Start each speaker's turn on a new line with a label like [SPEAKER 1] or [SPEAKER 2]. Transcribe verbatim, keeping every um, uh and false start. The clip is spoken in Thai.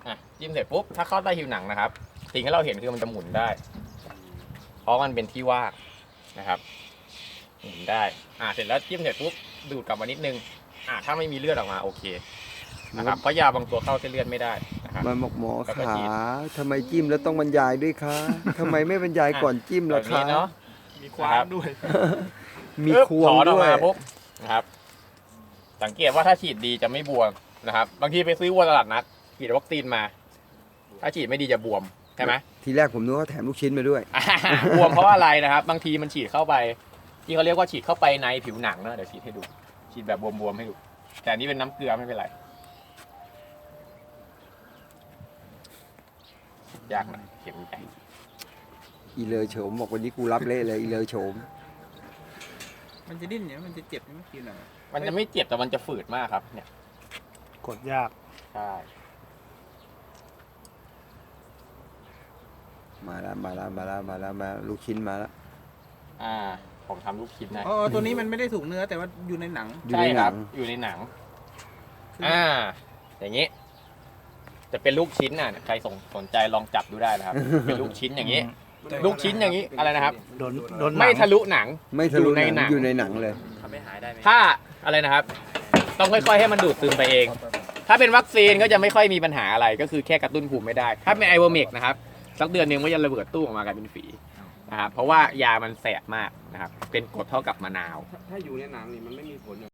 [SPEAKER 1] อ่ะจิ้มเสร็จปุ๊บถ้าเข้าใต้ผิวหนังนะครับสิ่งที่เราเห็นคือมันจะหมุนได้ เพราะมันเป็นที่ว่างนะครับหมุนได้อ่าเสร็จแล้วจิ้มเสร็จปุ๊บดูดกลับมานิดนึงอ่าถ้าไม่มีเลือดออกมาโอเคนะครับเพราะยาบางตัวเข้าเส้นเลือดไม่ได้นะครับ
[SPEAKER 2] มันบอกหมอ
[SPEAKER 1] แล้วก็
[SPEAKER 2] ขา
[SPEAKER 1] ฉีด
[SPEAKER 2] ทำไมจิ้มแล้วต้องบรรยายด้วยคะทำไมไม่บรรยายก่อนจิ้ม
[SPEAKER 1] แบ
[SPEAKER 2] ล่ะ
[SPEAKER 1] บ
[SPEAKER 2] คะ
[SPEAKER 1] นี้เนาะ
[SPEAKER 3] มีควานด้วย
[SPEAKER 2] มี
[SPEAKER 1] ปึ๊บ
[SPEAKER 2] ควง
[SPEAKER 1] ถอนอ
[SPEAKER 2] ด้
[SPEAKER 1] อก
[SPEAKER 2] วย
[SPEAKER 1] มาปุ๊บนะครับ สังเกตว่าถ้าฉีดดีจะไม่บวมนะครับ บางทีไปซื้อวัวตลาดนัดฉีดวัคซีนมา ถ้าฉีดไม่ดีจะบวมใช่ไหม
[SPEAKER 2] ทีแรกผมนึกว่าแถมลูกชิ้นมาด้วย
[SPEAKER 1] อ่าบวมเพราะว่าอะไรนะครับ บางทีมันฉีดเข้าไป ที่เขาเรียกว่าฉีดเข้าไปในผิวหนังนะเดี๋ยวฉีดให้ดู ฉีดแบบบวมๆให้ดู แต่อันนี้เป็นน้ำเกลือไม่เป็นไรยากหน่อยเข็มใหญ่
[SPEAKER 2] อีเลอโฉมบอกวันนี้กูรับเละเลยอีเลอโฉม
[SPEAKER 3] มันจะดิ้นเนี่ยมันจะเจ็บใช่ไหมกินอ่ะ
[SPEAKER 1] มันจะไม่เจ็บแต่มันจะฝืดมากครับ เนี่ย
[SPEAKER 4] กดยาก
[SPEAKER 1] ใช่
[SPEAKER 2] มาแล้วมาแล้วมาแล้วมาแล้วมาลูกชิ้นมาแล้ว
[SPEAKER 1] อ่า ผมทำลูกชิ้นนะ
[SPEAKER 3] อ๋อตัวนี้มันไม่ได้ถูกเนื้อแต่ว่าอยู่ในหนัง
[SPEAKER 2] อยู่
[SPEAKER 1] ใช่
[SPEAKER 2] ในห
[SPEAKER 1] ค
[SPEAKER 2] นั
[SPEAKER 1] รับ
[SPEAKER 2] ง
[SPEAKER 1] อยู่ในหนัง อ่า อย่างนี้ จะเป็นลูกชิ้นน่ะ ใครสนสนใจลองจับดูได้นะครับ เป็นลูกชิ้นอย่างนี้ ลูกชิ้นอย่างนี้ อะไรนะครับ
[SPEAKER 4] โดนโดนหนัง
[SPEAKER 1] ไม่ทะลุหนัง
[SPEAKER 2] ไม่ทะลุ
[SPEAKER 1] อยู่
[SPEAKER 2] ห
[SPEAKER 1] ใน
[SPEAKER 2] นัง
[SPEAKER 1] หนัง
[SPEAKER 2] อยู่ในหนังเลย
[SPEAKER 3] ทำให้หายได้ไหม
[SPEAKER 1] ถ้าอะไรนะครับ ต้องค่อยๆให้มันดูดซึมไปเอง ถ้าเป็นวัคซีนก็จะไม่ค่อยมีปัญหาอะไร ก็คือแค่กระตุ้นภูมิไม่ได้ ถ้าเป็นไอโวเมกนะครับ สักเดือนหนึงก็จะระเบิดตู้ออกมากลายเป็นฝีนะครับ เพราะว่ายามันแสบมากนะครับ เป็นกรดเท่ากับมะนาว
[SPEAKER 5] ถ้าอยู่ในหนังนี่มันไม่มีผล